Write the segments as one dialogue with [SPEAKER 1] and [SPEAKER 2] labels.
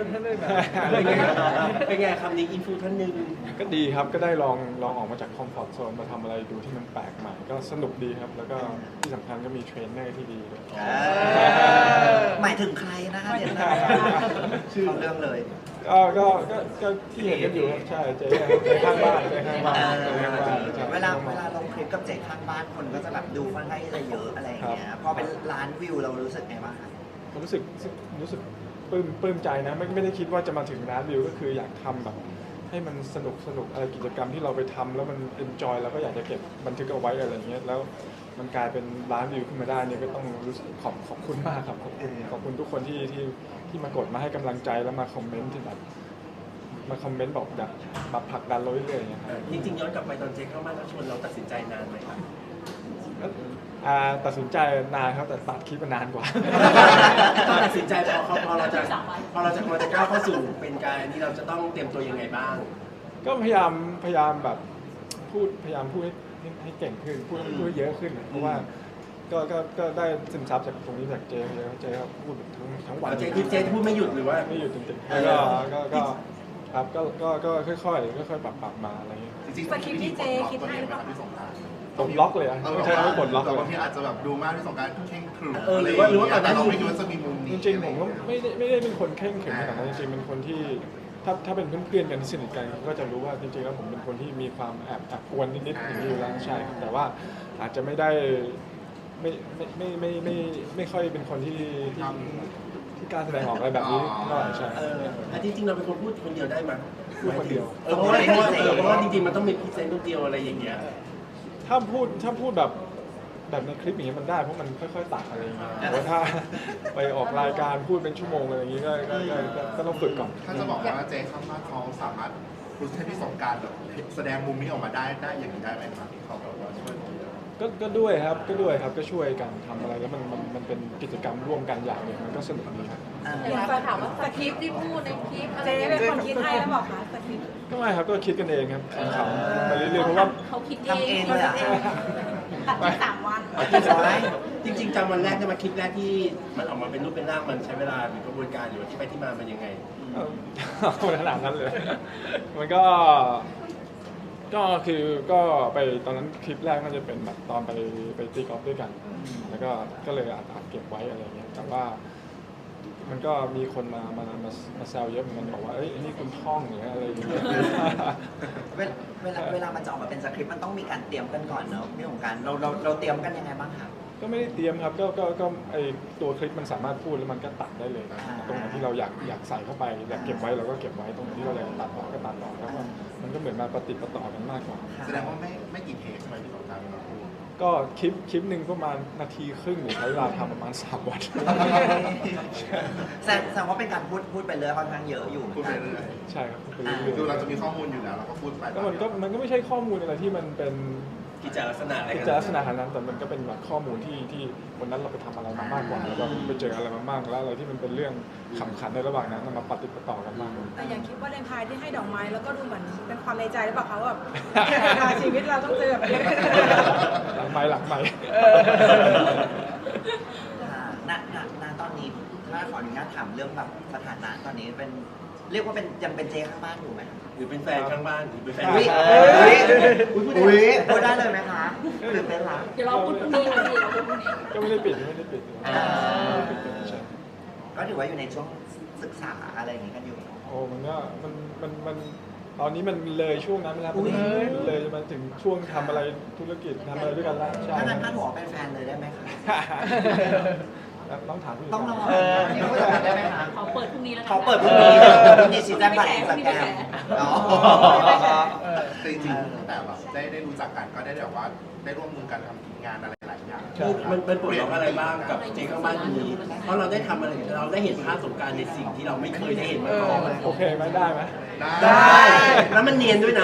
[SPEAKER 1] ท่านเลยแบบ
[SPEAKER 2] เป็นไงคำนี้อินฟูท่านหนึ่ง
[SPEAKER 1] ก็ดีครับก็ได้ลองออกมาจากคอมฟอร์ทโซนมาทำอะไรดูที่มันแปลกใหม่ก็สนุกดีครับแล้วก็ที่สำคัญก็มีเทรนเนอร์ที่ดีด้วย
[SPEAKER 3] หมายถึงใครนะคะเดี๋ยวนะชื่อเรื่องเลย
[SPEAKER 1] ก็ที่เห็นกันอยู่ครับใช่เจ๊ข้างบ้านเจ๊ข้างบ้านเจ๊ข้างบ้านใช่
[SPEAKER 3] เวลาลงคลิปกับเจ๊ข้างบ้านคนก็จะแบบดูค่อนข้างที่จะเยอะอะไรอย่างเงี้ยพอเป็นล้านวิวเรารู้สึกไงบ้างคะ
[SPEAKER 1] ผมรู้สึกปลื้มใจนะไม่ได้คิดว่าจะมาถึงล้านวิวก็คืออยากทำแบบให้มันสนุกอะไรกิจกรรมที่เราไปทำแล้วมันเอนจอยแล้วก็อยากจะเก็บบันทึกเอาไว้อะไรอย่างเงี้ยแล้วมันกลายเป็นล้านวิวขึ้นมาได้เนี่ยก็ต้องรู้สึกขอบคุณมากครับขอบคุณทุกคนที่มากดมาให้กำลังใจแล้วมาคอมเมนต์ที่แบบมาคอมเมนต์บอกอยากมาผลักดันเราเรื่อยๆอย่างเงี้ยครับ
[SPEAKER 2] จริงๆย้อนกลับไปตอนเจ๊เข้ามาแล้วชวนเราตัดสินใจนานไหมครับ
[SPEAKER 1] ตัดสินใจนานครับแต่ตัดคลิปมานานกว่า
[SPEAKER 2] ตอนตัดสินใจพอเราจะก้าวเข้าสู่เป็นการที่เราจะต้องเตรียมตัวยังไงบ้าง
[SPEAKER 1] ก็พยายามแบบพยายามพูดให้เก่งขึ้นพูดให้เยอะขึ้นเพราะว่าก็ได้ซึมซับจากตรงนี้จากเจ๊ก็พูดทั้งวัน
[SPEAKER 2] เจ๊พูดไม่หยุดหรือว่า
[SPEAKER 1] ไม่หยุดจริงๆแล้วก็ครับก็ค่อยๆปรับมาอะไรเงี้ย
[SPEAKER 4] จริงๆสคริปต์ที่เจคิดให้หรือเปล่าพี่สงกรานต์
[SPEAKER 1] ปลดล็อกเลยอ่ะไม่ใช่ไม่ปลดล็อก
[SPEAKER 4] แต่
[SPEAKER 1] เลย
[SPEAKER 4] บางทีอาจจะแบบดูมากที่สงกรานต์เข่งขรึม
[SPEAKER 2] หรือว่าก่อนหน้า
[SPEAKER 4] แต่
[SPEAKER 2] นี้
[SPEAKER 4] เราไม่คิดว่าจะมีมุม
[SPEAKER 1] จ
[SPEAKER 4] นี้
[SPEAKER 1] ริงๆผมก็ไม่ได้เป็นคนเคร่งขรึมขนาดนั้นจริงๆเป็นคนที่ถ้าเป็นเพื่อนๆกันที่สนิทกันก็จะรู้ว่าจริงๆแล้วผมเป็นคนที่มีความแอบกวนนิดๆอย่างนี้อยู่แล้วใช่ครับแต่ว่าอาจจะไม่ได้ไม่ค่อยเป็นคนที่กล้าแสดงออกอะไรแบบนี้เท่าไหร่ใช่
[SPEAKER 2] จริงๆเราเป็นคนพูดคนเดียวได้ไหม
[SPEAKER 1] พูดคนเดียว
[SPEAKER 2] เพราะว่าจริงๆมันต้องมีพรีเซนต์คนเดียวอะไรอย่างเงี้ย
[SPEAKER 1] ถ้าพูดแบบในคลิปอย่างเงี้ยมันได้เพราะมันค่อยๆตัดอะไรอย่างเงี้ยแต่ว่าถ้าไปออกรายการพูดเป็นชั่วโมงอะไรอย่างงี้ก็ต้องฝึกก่อน
[SPEAKER 4] ถ้าจะบอกว่าเจข้างบ้านเขาสามารถรู้ให้พี่สงกรานต์แบบแสดงมุมนี้ออกมาได้อย่างนี้ได้ไหมครับที่เขาแบบว่าช่วย
[SPEAKER 1] ก็ด้วยครับก็ช่วยกันทำอะไรแล้วมันเป็นกิจกรรมร่วมกันอย่างหนึ่งมันก็สนุกดีครับ
[SPEAKER 5] อยากจะถามว่าสคริปต์ที่พูดในคลิปเจ๊เป็นคนคิดให้แล้วบอกคะสคริปต์
[SPEAKER 1] ก็ไม่ครับก็คิดกันเองครับขำๆไปเรื่อยๆเพราะว่า
[SPEAKER 5] เขาคิดเอ
[SPEAKER 3] ทำเองเลยอะ
[SPEAKER 5] ตัดที่3 วัน
[SPEAKER 2] จริงๆจำวันแรกได้มาคลิปแรกที่มันออกมาเป็นรูปเป็นร่างมันใช้เวลาหรือกระบวนการหรือว่าที่ไปที่มามันยังไง
[SPEAKER 1] เอาขนาดนั้นเลย มันก็คือก็ไปตอนนั้นคลิปแรกน่าจะเป็นแบบตอนไปตีกอล์ฟด้วยกัน แล้วก็เลยอัดเก็บไว้อะไรเงี้ยแต่ว่ามันก็มีคนมาแซวเยอะเหมือนกันบอกว่าเอ้ยอันนี้คุณท่องหรืออะไรอย่างเงี้ย
[SPEAKER 3] เวลามันจะออกมาเป็นสคริปต์มันต้องมีการเตรียมกันก่อนเนอะพี่ของการเราเตรียมกันยังไงบ้างครับ
[SPEAKER 1] ก็ไม่ได้เตรียมครับก็ไอตัวคลิปมันสามารถพูดแล้วมันก็ตัดได้เลยนะตรงไหนที่เราอยากใส่เข้าไปอยากเก็บไว้เราก็เก็บไว้ตรงไหนที่เราอยากตัดออกก็ตัดออกแล้วก็มันก็เหมือนมาประติดประต่อกันมากกว่า
[SPEAKER 4] แสดงว่าไม่กี่เทคใช่ไหมพี่สงกรานต์เวลาพูด
[SPEAKER 1] ก็คลิปหนึ่งประมาณนาทีครึ่งใช้เวลาทำประมาณ3 วัน
[SPEAKER 3] แสดงว่าเป็นการพูดไปเรื่อยค่อนข้างเยอะอยู่
[SPEAKER 4] พูดไปเรื่อย
[SPEAKER 1] ใช่ครับพูดไป
[SPEAKER 4] คือ
[SPEAKER 1] เรื่อย
[SPEAKER 4] เราจะมีข้อมูลอยู่แล้วเราก็พูดไป
[SPEAKER 1] ๆก็มันก็ไม่ใช่ข้อมูลอะไรที่มันเป็น
[SPEAKER 2] กิจลักษณะอะไร
[SPEAKER 1] กิจลักษณะขนาดนั้นแต่มันก็เป็นแบบข้อมูลที่วันนั้นเราไปทำอะไรมามากกว่าแล้วก็ไปเจออะไรมามากแล้วอะไรที่มันเป็นเรื่องขำขันในระหว่างนั้นมันมาปฏิดประต่อกันมากกว่า
[SPEAKER 5] แต่อย่างคลิปว่าเลนไทายที่ให้ดอกไม้แล้วก็ดูเหมือนเป็นความในใจหรือเปล่าคะว่าแบบชีวิตเราต้องเจอแบบนี้
[SPEAKER 1] หลังไม้
[SPEAKER 3] ณตอนนี้ถ้าขออนุญาตถามเรื่องแบบสถานะตอนนี้เป็นเรียกว่าเป็นยังเป็นเจ๊ข้างบ้านอยู่ไหม
[SPEAKER 2] หรือเป็นแฟนข้างบ้านหรือเป็นแฟน
[SPEAKER 3] อุ้ย
[SPEAKER 2] อุ้ย
[SPEAKER 3] พูดได้เลยไหมคะหรือเป็นหลัก
[SPEAKER 5] เดี๋ยวเราพูดพรุ่งนี้นะพี่เราพูดพรุ่งนี้
[SPEAKER 1] ก็ไม่ได้ปิดใช่
[SPEAKER 3] ก็ถือว่าอยู่ในช่วงศึกษาอะไรอย่างงี้กันอยู่
[SPEAKER 1] โอ้มันก็มันตอนนี้มันเลยช่วงนั้นไปแล้วมันเลยมาถึงช่วงทำอะไรธุรกิจทำอะไรด้วยกันแล้วใช่
[SPEAKER 3] ถ้างั้นพาดหัวเป็นแฟนเลยได้ไหมคะ
[SPEAKER 1] ต้องถามผู้จัด
[SPEAKER 3] ต้อง
[SPEAKER 1] การ
[SPEAKER 3] รอนี่พูดกันได้ไหมคะ
[SPEAKER 5] ขอเปิดพรุ่งนี้แล้วกัน
[SPEAKER 3] เขาเปิดพรุ่งนี้พรุ่งนี้ชี้แจงผ่านอินสตาแกรมอ๋อ
[SPEAKER 4] แต่จริงๆตั้งแต่แบบได้รู้จักกันก็ได้แบบว่าได้ร่วมมือกันทำงานอะไรหลายอย่าง
[SPEAKER 2] มันปวดร้องอะไรบ้างกับเจ๊ข้างบ้านคนนี้เพราะเราได้ทำอะไรเราได้เห็นภาพสงกรารในสิ่งที่เราไม่เคยได้เห็นมาก่อน
[SPEAKER 1] โอเคไหมได้ไหม
[SPEAKER 2] ได้ แล้วมันเนียนด้วยนะ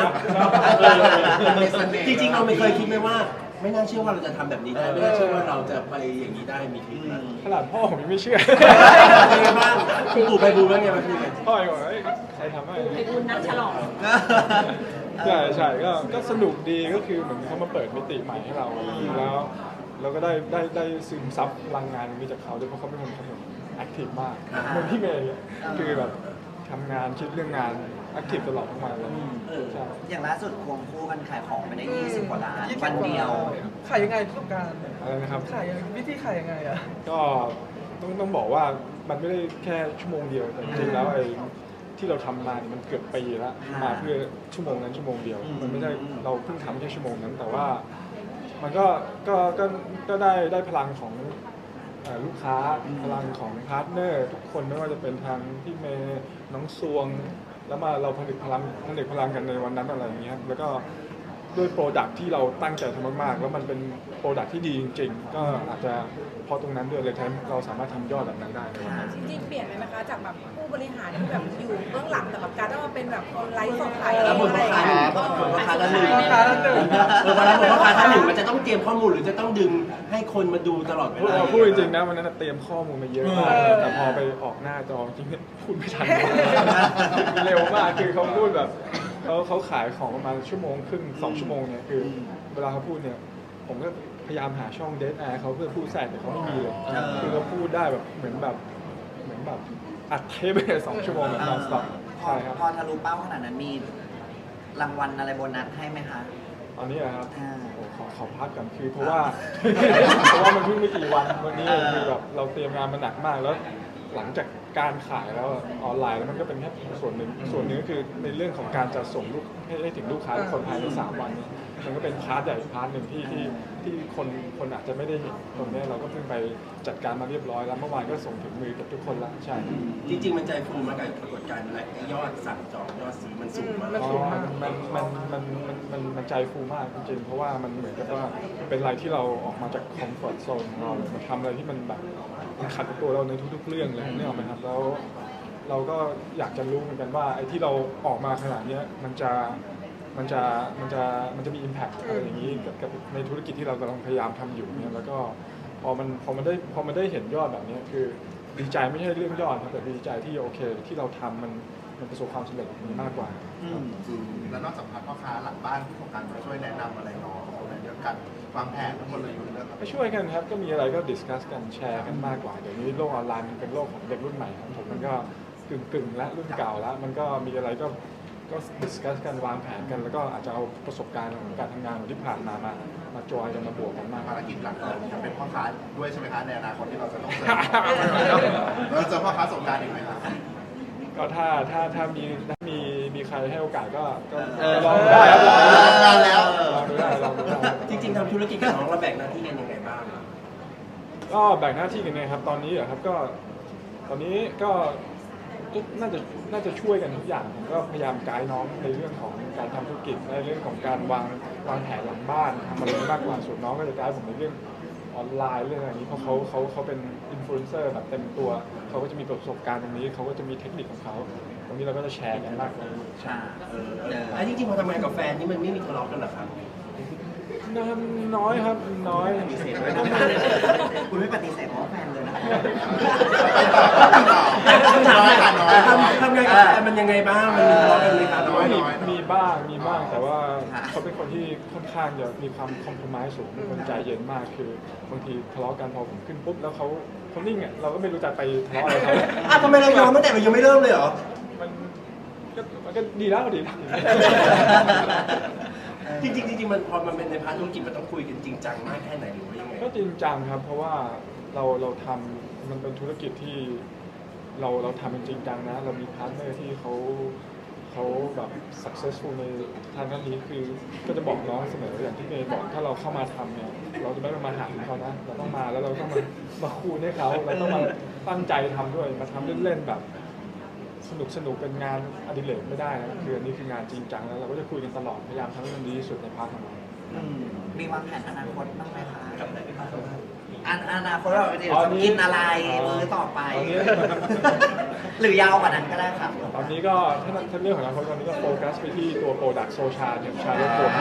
[SPEAKER 2] จริงๆเราไม่เคยคิดไหมว่า ไม่น่าเชื่อว่าเราจะทำแบบนี้ได้ไม่น่าเชื่อว่าเราจะไปอย่างนี้ได้มีคลิปนั้น
[SPEAKER 1] ขนาดพ่อผมยังไม่เชื่อ
[SPEAKER 2] เป็นไงบ้างคุณปู่ไปบูบ้างไงมาคุยกัน
[SPEAKER 1] พ่อยังบอกเฮ้ยใครทำให้
[SPEAKER 5] ไอ้คุณนักฉลอง
[SPEAKER 1] ใช่ก็สนุกดีก็คือเหมือนเขามาเปิดมิติใหม่ให้เราแล้วเราก็ได้ซึมซับพลังงานนี้จากเขาด้วยเพราะเขาเป็นคนแอคทีฟมากเหมือนพี่เมย์เนี่ยคือแบบทำงานคิดเรื่องงานแอคทีฟตลอดทั้งวันเลยใช่
[SPEAKER 3] อย่างล่าสุดควงคู่กันขายของไปได้20 กว่าล้านวันเดียว
[SPEAKER 6] ขายยังไงประสบการณ์
[SPEAKER 1] อะไรนะครับ
[SPEAKER 6] ขายยังไงวิธีขายยังไงอะ
[SPEAKER 1] ก็ต้องบอกว่ามันไม่ได้แค่ชั่วโมงเดียวแต่จริงๆแล้วไอ้ที่เราทำมาเนี่ยมันเกือบปีแล้วมาเพื่อชั่วโมงนั้นชั่วโมงเดียว มันไม่ได้เราเพิ่งทำแค่ชั่วโมงนั้น แต่ว่ามันก็ได้พลังของลูกค้าพลังของพาร์ทเนอร์ทุกคนไม่ว่าจะเป็นทางพี่เมย์น้องซวง แล้วมาเราผลิตพลังกันในวันนั้นอะไรอย่างเงี้ยแล้วก็ด้วยโปรดักที่เราตั้งใจทำมากๆแล้วมันเป็นโปรดักที่ดีจริงๆก็อาจจะเพราะตรงนั้นด้วยเลยทำให้เราสามารถทำยอดแบบนั้นได้ในวันนั้น
[SPEAKER 5] จริงๆเปลี่ยนไหมนะคะจากแบบผู้บริหารที่แบบอยู่เบื้องหลังแต่แบบการต้องมาเป็นแบบคนไลฟ์สดขายเอ
[SPEAKER 2] แล้ว
[SPEAKER 5] ง
[SPEAKER 2] บท
[SPEAKER 5] อะไร
[SPEAKER 2] พ่อ
[SPEAKER 5] อย่าง
[SPEAKER 2] ค้าห
[SPEAKER 5] เงี้
[SPEAKER 2] นึ่ง
[SPEAKER 5] ย
[SPEAKER 2] บทพ่อค้าท่านหนึ่ง
[SPEAKER 6] พ่อค้าท่านหนึ่ง
[SPEAKER 2] เวลาบทพ่อค้าท่านหนึ่งมันจะต้องเตรียมข้อมูลหรือจะต้องดึงให้คนมาดูตลอดเวลา
[SPEAKER 1] พูดจริงๆนะวันนั้นเตรียมข้อมูลมาเยอะมากแต่พอไปออกหน้าจอจริงๆพูดไม่ทันเร็วมากคือเขาพูดแบบเขาขายของประมาณชั่วโมงครึ่ง2 ชั่วโมงเนี่ยคือเวลาเขาพูดเนี่ยผมก็พยายามหาช่องเดทแอร์เขาเพื่อพูดแทรกแต่เขาไม่มีเลยคือเขาพูดได้แบบเหมือนแบบอัดเทปไปเลย2 ชั่วโมงแบบ non stop
[SPEAKER 3] พอ
[SPEAKER 1] ใช่ครับ
[SPEAKER 3] พอทะลุเป้าขนาดนั้นมีรางวัลอะไรโบนัสให้ไหมคะ
[SPEAKER 1] ตอนนี้อะครับ
[SPEAKER 3] อ่า
[SPEAKER 1] โอ้ขอพักก่อนคือเพราะว่า มันเพิ่งไม่กี่วันวันนี้คือแบบเราเตรียมงานมาหนักมากแล้ว หลังจากการขายแล้วออนไลน์แล้วมันก็เป็นแค่ส่วนหนึ่งก็คือในเรื่องของการจะส่งลูกให้ถึงลูกค้าทุกคนภายใน3 วันนี้มันก็เป็นพาร์ทใหญ่พาร์ทหนึ่งที่คนอาจจะไม่ได้เห็นตรงนี้เราก็เพิ่งไปจัดการมาเรียบร้อยแล้วเมื่อวานก็ส่งถึงมือกับทุกคนแล้วใช่
[SPEAKER 2] จริงๆมันใจฟูมากกับปรากฏการณ์อะไรยอดสั่งจองยอดซื้อมันสูงมาก
[SPEAKER 1] อ๋อมันใจฟูมากจริงๆเพราะว่ามันเหมือนกับว่าเป็นอะไรที่เราออกมาจากคอมฟอร์ทโซนของเรามาทำอะไรที่มันแบบมันขัดกับตัวเราในทุกๆเรื่องเลยนี่ออกไหมครับแล้วเราก็อยากจะรู้เหมือนกันว่าไอ้ที่เราออกมาขนาดนี้มันจะมี impact อะไรอย่างนี้กับในธุรกิจที่เรากำลังพยายามทำอยู่เนี่ยแล้วก็พอมันได้เห็นยอดแบบนี้คือดีใจไม่ใช่เรื่องยอดครับแต่ดีใจที่โอเคที่เราทำมันประสบความสำเร็จมากกว่า
[SPEAKER 4] แล้วนอกจากพ่อค้าหลังบ้านผู้ประกอบการมาช่วยแนะนำอะไรน้องในเรื่องการวางแผนทั้งหมดเลยอยู่เรื่อง
[SPEAKER 1] ก็ช่วยกันครับก็มีอะไรก็ดิสคัสกันแชร์กันมากกว่าเดี๋ยวนี้โลกออนไลน์มันเป็นโลกของเด็กรุ่นใหม่ครับผมมันก็กึ่งและรุ่นเก่าแล้วมันก็มีอะไรก็ดิสคัสกันวางแผนกันแล้วก็อาจจะเอาประสบการณ์ของการทำงานที่ผ่านมาจอยกันมาบวกกันมาก
[SPEAKER 4] ภารกิจหลักเราจะเป็นพ่อค้าด้วยใช่ไหมคะในอนาคตที่เราจะต้องเจอเราเจอพ่อค้าสงกรานต์อีกไหมครับ
[SPEAKER 1] ก็ถ้ามีใครให้โอกาสก็ลองดูได้ครับ
[SPEAKER 4] งานแล้ว
[SPEAKER 1] ลองดูได้
[SPEAKER 2] จริงๆทำธุรกิจกับน้องเราแบ่งหน้าที่กันยังไงบ้าง
[SPEAKER 1] ก็แบ่งหน้าที่กันเนี่ยครับตอนนี้เหรอครับก็ตอนนี้ก็น่าจะช่วยกันทุกอย่างผมก็พยายามไกด์น้องในเรื่องของการทำธุรกิจในเรื่องของการวางแผนหลังบ้านทำอะไรมากกว่าส่วนน้องก็จะไกด์ผมในเรื่องออนไลน์เรื่องอะไรนี้เพราะเขาเป็นอินฟลูเอนเซอร์แบบเต็มตัวเขาก็จะมีประสบการณ์ตรงนี้เขาก็จะมีเทคนิคของเขาตรงนี้เราก็จะแชร์กันมากกว่า
[SPEAKER 2] อันจริงๆพอทำงานกับแฟนนี่มันไม่มีทะเลาะกันเหรอครับ
[SPEAKER 1] น้อยครับน้อย
[SPEAKER 3] ปฏิเสธด้วยนะคุณไม่ปฏิเสธเพราะว่าแฟนเลยนะ
[SPEAKER 2] ทำงานกับแฟนมันยังไงบ้างมันมีทะเลาะกันไหมครับ
[SPEAKER 1] มีบ้างแต่ว่าเขาเป็นคนที่ค่อนข้างจะมีความคอมเพลมไสูงเป็นคนใจเย็นมากคือบางทีทะเลาะกันพอผมขึ้นปุ๊บแล้วเขานิ่งอ่ะเราก็ไม่รู้จะไปทะเลาะอะไรเขา
[SPEAKER 2] ทำไมเรายอมตั้งแต่เรายังไม่เริ่มเลยเหรอ
[SPEAKER 1] มันก็ดีแล้วดี
[SPEAKER 2] จริงมันพอมันเป็นในพาร์ทธุรกิจมันต้องคุยกันจริงจังมากแค่ไหนหรือว่ายังไง
[SPEAKER 1] ก็จริงจังครับเพราะว่าเราทำมันเป็นธุรกิจที่เราทำจริงจังนะเรามีพาร์ทเนอร์ที่เขาแบบ successful ในทางด้านนี้คือก็จะบอกน้องเสมออย่างที่เมย์บอกถ้าเราเข้ามาทำเนี่ยเราจะไม่มาหาเขานะเราต้องมาแล้วเราต้องมาคูณให้เขาเราต้องมาตั้งใจทำด้วยมาทำเล่นๆแบบสนุกเป็นงานอดิเรกไม่ได้นะคืออันนี้คืองานจริงจังแล้วเราก็จะคุยกันตลอดพยายามทำให้มันดีที่สุดในพาร์ทของเรา
[SPEAKER 3] มีวางแผนอนาคตบ้างไหมคะอนาคตเราจะกินอะไรมื้อต่อไป หรือยาวกว่านั้นก็ได้ครับ
[SPEAKER 1] ตอนนี้ก็ถ้าเรื่องของอนาคตตอนนี้ก็โฟกัสไปที่ตัวโปรดักต์โซชาเนี่ยชาโลโกที่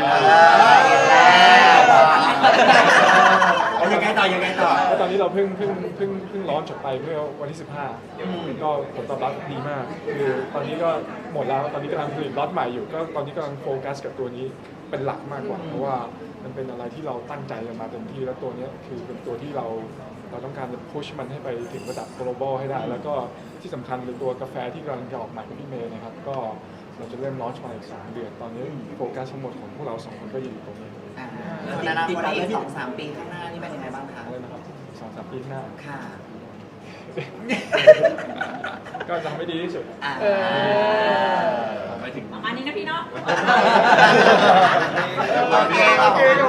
[SPEAKER 2] ยังไงต่อ
[SPEAKER 1] แล้วตอนนี้เราเพิ่งร้อนจบไปเมื่อวันที่ 15 ก็ผลตอบรับดีมาก คือตอนนี้ก็หมดแล้วตอนนี้กำลังผลิตล็อตใหม่อยู่ก็ตอนนี้กำลังโฟกัสกับตัวนี้เป็นหลักมากกว่าเพราะว่ามันเป็นอะไรที่เราตั้งใจกันมาเต็มที่แล้วตัวนี้คือเป็นตัวที่เราเราต้องการจะพุชมันให้ไปถึงระดับ global ให้ได้ แล้วก็ที่สำคัญคือตัวกาแฟที่กำลังจะออกใหม่กับพี่เมย์นะครับก็เราจะเริ่มลอนช์มาอีก3 เดือนตอนนี้โฟกัสทั้งหมดของพวกเรา2 คนก็อยู่ตรงนี้
[SPEAKER 3] ส่วนอนาคตอีก2-3 ปีข้างหน้านี่เป็นยังไงบ้างคะ
[SPEAKER 1] อะไรนะครับ2-3 ปีข้างหน้า
[SPEAKER 3] ค่ะ
[SPEAKER 1] ก็จะทำให้ดีที่สุด
[SPEAKER 2] ไปถึง
[SPEAKER 7] ประมาณนี้นะพี่เนาะ
[SPEAKER 3] โอเคขอบคุณ